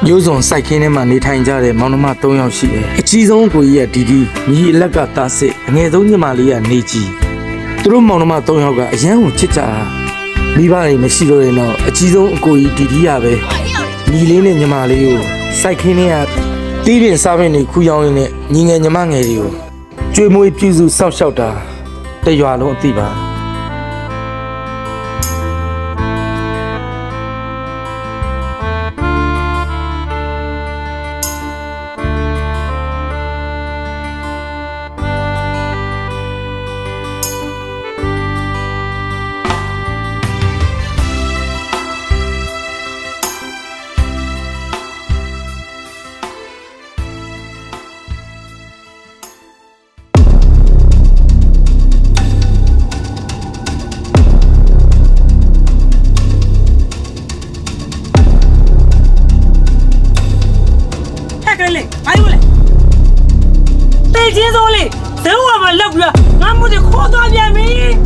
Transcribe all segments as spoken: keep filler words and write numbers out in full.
မျိုးစုံစိုက်ခင်းထဲမှာနေထိုင်ကြတဲ့မောင်နှမ၃ယောက်ရှိတယ်အကြီးဆုံးကိုကြီးကဒီဒီညီအလက်ကတားစစ်အငယ်ဆုံးညီမလေးကနေကြီးသူတို့မောင်နှမ၃ယောက်ကအရန်ကိုချစ်ကြတာမိဘတွေမရှိတော့ရင်တော့အကြီးဆုံးအကိုကြီးဒီဒီရပဲညီလေးနဲ့ညီမလေးကိုစိုက်ခင်းထဲကတီးပြင်စားပင်တွေခူးရောင်းရင်းနဲ့ညီငယ်ညီမငယ်တွေကိုကျွေးမွေးပြုစုစောင့်ရှောက်တာတရွာလုံးအသိပါ接走嘞，等我们老哥，俺们得好多遍没。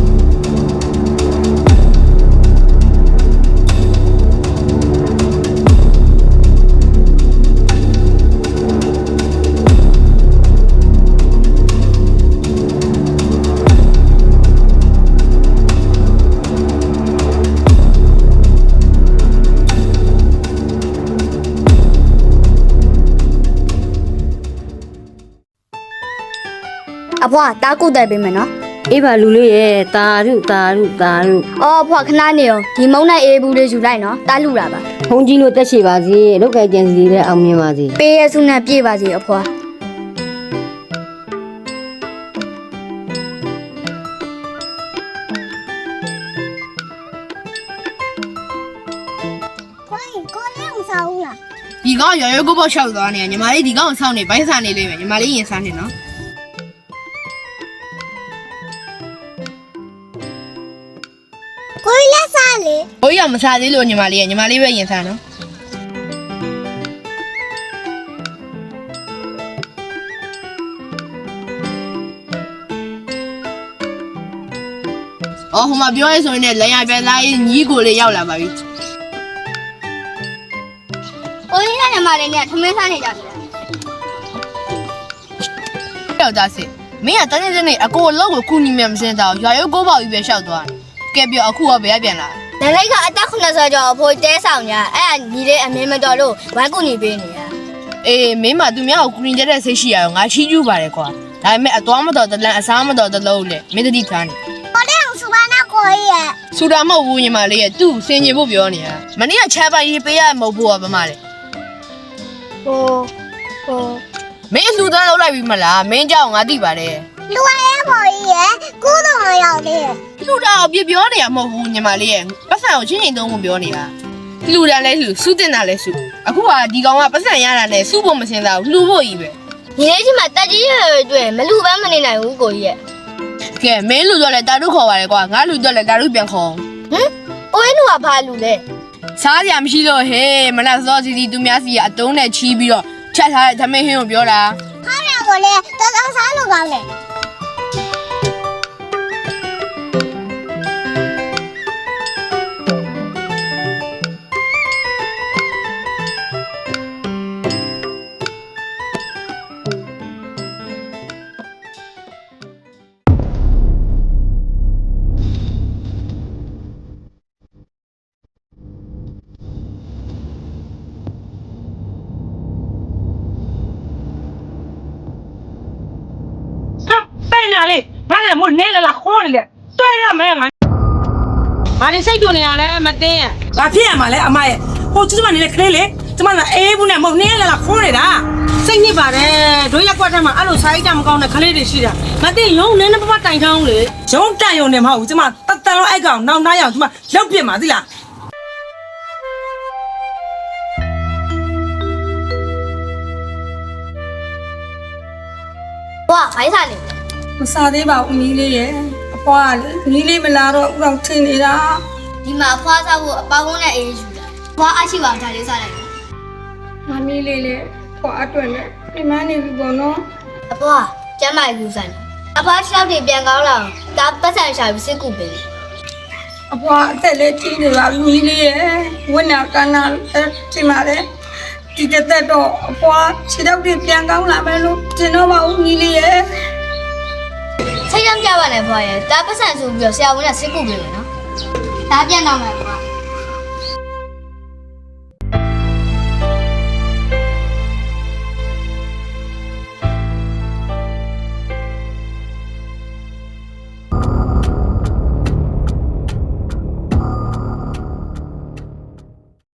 阿婆，打鼓在边门喏。 အေးပါလူလေးရဲ့တာရုတာရုတာရု哦，婆，ခဏနေရောဒီမုံနဲ့အေးဘူးလေးယူလိုက်နော်တားလူတာပါဘုန်းကြီးတို့တက်ရှိပါစေလောက်ကကြံစီတဲ့အောင်မြင်ပါစေပေးရစုနဲ့ပြေးပါစေအဖွာဒီကောင်ရရွယ်ကိုပေါ့ရှောက်သွားနေညီမလေးဒီကောင်ဆောင်းနေဘိုင်းစားနေလိမ့်မယ်ညီမလေးရင်စားနေနော်ကိုလက်စားလေကိုရမစားသေးလို့ညီမလေးညီမလေးပဲရင်စားနော်အော်ဟိုမှာပြောရဲဆိုရင်လည်းလမ်းရပြန်သားကြီးညီကိုလေးရောက်လာပါပြီကိုရနဲ့ညီမလေးနဲ့ထမင်းစားနေကြတယ်ယောက်သားစစ်မင်းကတန်းနေနေအကိုအလောက်ကိုခုနီမြမစင်းတော့ရွာရုပ်ကိုပေါ့ကြီးပဲရှောက်သွားတယ်ကဲပြောအခုရောဘယ်ပြန်လာနလိတ်ကအသက်ခုနှစ်ဆယ်ကျော်အဖိုးတဲဆောင်ညာအဲ့ဒါညီလေးအမင်းမတော်လို့ဝိုင်းကူညီပေးနေရအေးမင်းမသူများကိုကူညီကြတဲ့စိတ်ရှိရအောင်ငါချီးကျူးပါတယ်ကွာဒါပေမဲ့အသွားမတော်တလန်အစားမတော်တလုံးလေမင်းတတိထားနေကိုလေးအောင်စူပါနာကိုရဲ့စူတာမဟုတ်ဘူးညီမလေးရဲ့သူ့စင်ကြီးဖို့ပြောနေတာမနေ့ကချမ်းပိုင်ရေးပေးရမဟုတ်ဘူးကဘာမှလေဟိုဟိုမင်းလူသားလောက်လိုက်ပြီမလားမင်းကြောင့်ငါသိပါတယ်လူရရဲ့ပေါ်ကြီးရဲ့ကိုးတော်ရောက်တယ်လူတော်အပြပြောနေရမဟုတ်ဘူးညီမလေးရဲ့ပတ်စံကိုချင်းချင်းသုံးဖို့ပြောနေတာလူတန်းလဲလူစုတင်တာလဲစုအခုကဒီကောင်ကပတ်စံရတာနဲ့စုဖို့မစင်တာဘူးလှူဖို့ကြီးပဲညီလေးချင်းမှာတက်ကြီးရွယ်ရွယ်တွေ့မလူပန်းမနေနိုင်ဘူးကိုကြီးရဲ့ကဲမင်းလူတော့လဲတာတို့ခေါ်ပါလေကွာငါလူတော့လဲတာတို့ပြန်ခေါ်ဟမ်အိုးလူကဘာလူလဲစားကြမရှိတော့ဟဲ့မနက်စောစီစီသူများစီကအတုံးနဲ့ချီးပြီးတော့ချက်ထားတဲ့သမင်းဟင်းကိုပြောတာခါရကိုလေတော်တော်စားလို့ကောင်းတယ်လေငါလည်းမို့နေလာခေါ်နေလေတွဲရမယ်ငါငါနေစိတ်တူနေရလဲမတင်းဘာဖြစ်ရမှာလဲအမရဲ့ဟိုကျမနေတဲ့ကလေးလေကျမကအေးဘူးနဲ့မို့နေလာလာခေါ်နေတာစိတ်ညစ်ပါတယ်တို့ရက်ကွက်ထဲမှာအဲ့လိုစားရတာမကောင်းတဲ့ကလေးတွေရှိတာမတင်းရုံနည်းနည်းပပတိုင်ချောင်းလေရုံတန်ရုံနဲ့မဟုတ်ဘူးကျမတတန်လုံးအဲ့ကောင်နောက်နှားရအောင်ကျမလောက်ပြစ်မှာသိလားဝါဖိုင်းစားနေမစားသေးပါဘူးညီလေးရဲ့အဖွားကလေညီလေးမလာတော့ဦးအောင်ထင်နေတာဒီမှာအဖွားစားဖို့အပေါင်းနဲ့အေးယူတာအဖွားအရှိပါဒါလေးစားလိုက်ငါမီးလေးလေဖွားအတွက်နဲ့ဒီမနေပြီပေါ့နော်အဖွားကျမ်းမာယူဆိုင်အဖွား၆တွေပြန်ကောင်းလာဒါပတ်စံရှာပြီးစစ်ကူပေးအဖွားအသက်လေးကြီးနေပါပြီညီလေးရဲ့ဝိညာဉ်ကနာဒီမှာလေဒီတစ်သက်တော့အဖွားခြေတော့တွေပြန်ကောင်းလာမယ်လို့ထင်တော့မဟုတ်ညီလေးရဲ့စိတ်ရမ်းပြပါနဲ့ဖွားရဲ့ဒါပတ်စံဆိုပြီးတော့ဆရာဝန်ကစစ်ကူပေးမယ်နော်ဒါပြန်တော့မယ်